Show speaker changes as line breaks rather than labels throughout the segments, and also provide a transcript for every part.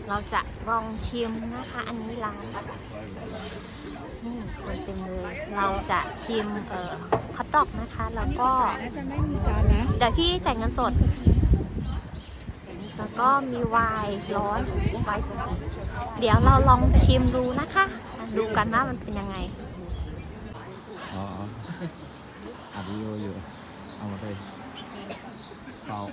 เราจะลองชิมนะคะ อันนี้ร้านนี่คนเต็มเลยเราจะชิมฮอทดอกนะคะแล้วก็
น่าจะไม่มีจานนะ
เดี๋ยวพี่จ่ายเงินสดแล้วก็มีไวน์ร้อนไวน์เดี๋ยวเราลองชิมดูนะคะดูกันว่ามันเป็นยังไง
อ๋ออัดวิดีโออยู่เอามาเลยเปล่า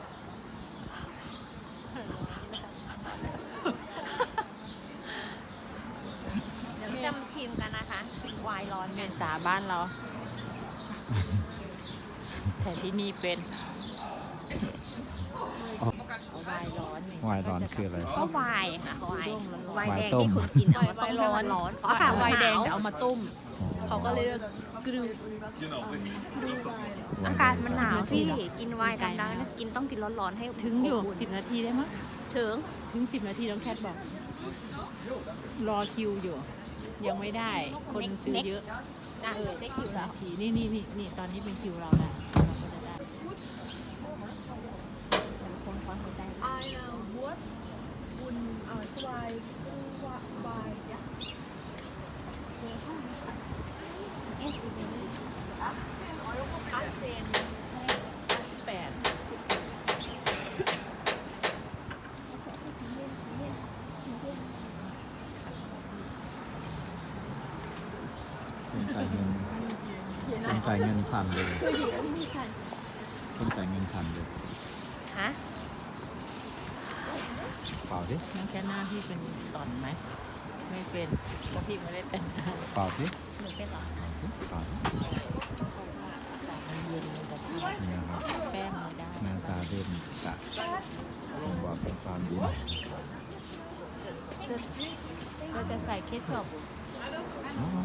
เดี๋ยวจะมาชิมกันนะคะไวน์ร้อน
เมษาบ้านเรา แต่ที่นี่เป็นวายร้อน
วายร้อนคืออะไร
ก็ไวน์ค่ะไวน์แดง
ต้ม
ที่คุณกินเอามาต้มให้มันร้อนอ๋อค่ะ
วายแดง
หน
แต่
ว
เอามาต้ม เขาก็เลยเรียกกรู
อากาศมันหนาวพี่กินไวน์กันได้นะต้องกินร้อนๆให้
ถึงอยู่10 นาทีได้มั้ย
ถึง
10 นาทีน้องแคทบอก รอคิวอยู่ ยังไม่ได้ คนซื้อเยอะ
ได้คิวแล้ว
นี่ตอนนี้เป็นคิวเราแล้วเราก็จะได้
Woord und zwei bei
เป็นจ่ายเงินเป็นจ่ายเงินสั่นเลยเป็นจ่ายเงินสั่นเลย
ฮะ
เปล่าดิ
น้องแคทหน้าพี่เป็นตอนไหม ไม่เป็นเพราะพี่ไม่ได้แต่งหน้า
เปล่าดิ
หนูเป็นเหรอ
เปล่าดิ
มันเย็นมันจะท
นี่นะครับ
ำแป้งไม่ได้
หน้าตาเด่นจะผมบอกเป็นความดี
ก็จะใส่เคชัพ
อ๋อ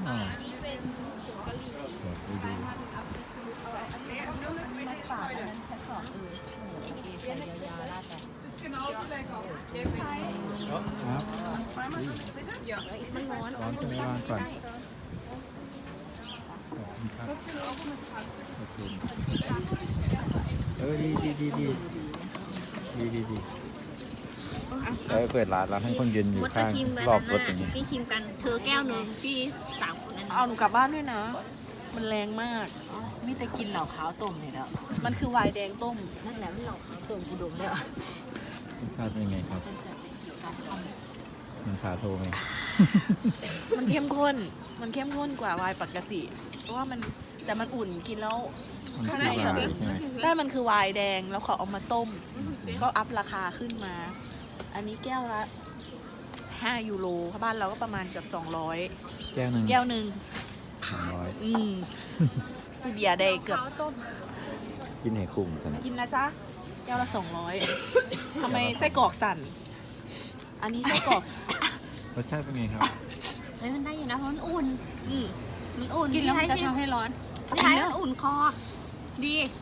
เดี๋ยวไปดู
มัสตาร์ดอันนั้นเคชัพโอเคใส่ยาวๆราดไป
ครับ
มันร้อน
ร้อนใช่ไหมร้อนก่อนขอบคุณครับโอเคดีเปิดร้านให้คนยืนอยู่
มดมา
ข้าง
ชิมเลย
รอบรถ
นะ
อย่างนี้
พี่ชิมกันเธอแก้วหนึ่งพี่3 คนนั้น
เอาหนูกลับบ้านด้วยนะ มันแรงมากมีแต่กินเหล่าขาวต้มเนี่ยแล้วมันคือไวน์แดงต้ม
นั่นแหละไม่หลอกเขา
ต้มกูดมแล้ว
รสชาติเป็นไงครับมันสาโทไหม
มันเข้มข้น มันเข้มข้นกว่าไวน์ปกติ เพราะว่ามันแต่มันอุ่นกินแล้ว
มัน
ข้าง
คื
ใน
อ
จะ
วาย
เป็น
ใช่ไหม
ใช่มันคือไวน์แดงแล้วเขาเอามาต้ม ก็อัพราคาขึ้นมา อันนี้แก้วละ5 ยูโรบ้านเราก็ประมาณเกือบ200
แก้วหนึ่ง
แก้วหนึ่ง
200
ซีเบียร์ได้เกือบ
กินให้คุ้มกัน
กินนะจ๊ะ แก้วละ200ทำไมไส้กรอกสั่น อันนี้ไส้กรอก
รสชาติเป็นไงครับ
เฮ้ยมันได้อยู่นะเพราะมันอุ่น
อืม
มันอุ่น
กินแล้วมันจะ
พี่
ทำให้ร้อน
ให้มันอุ่นคอ ดี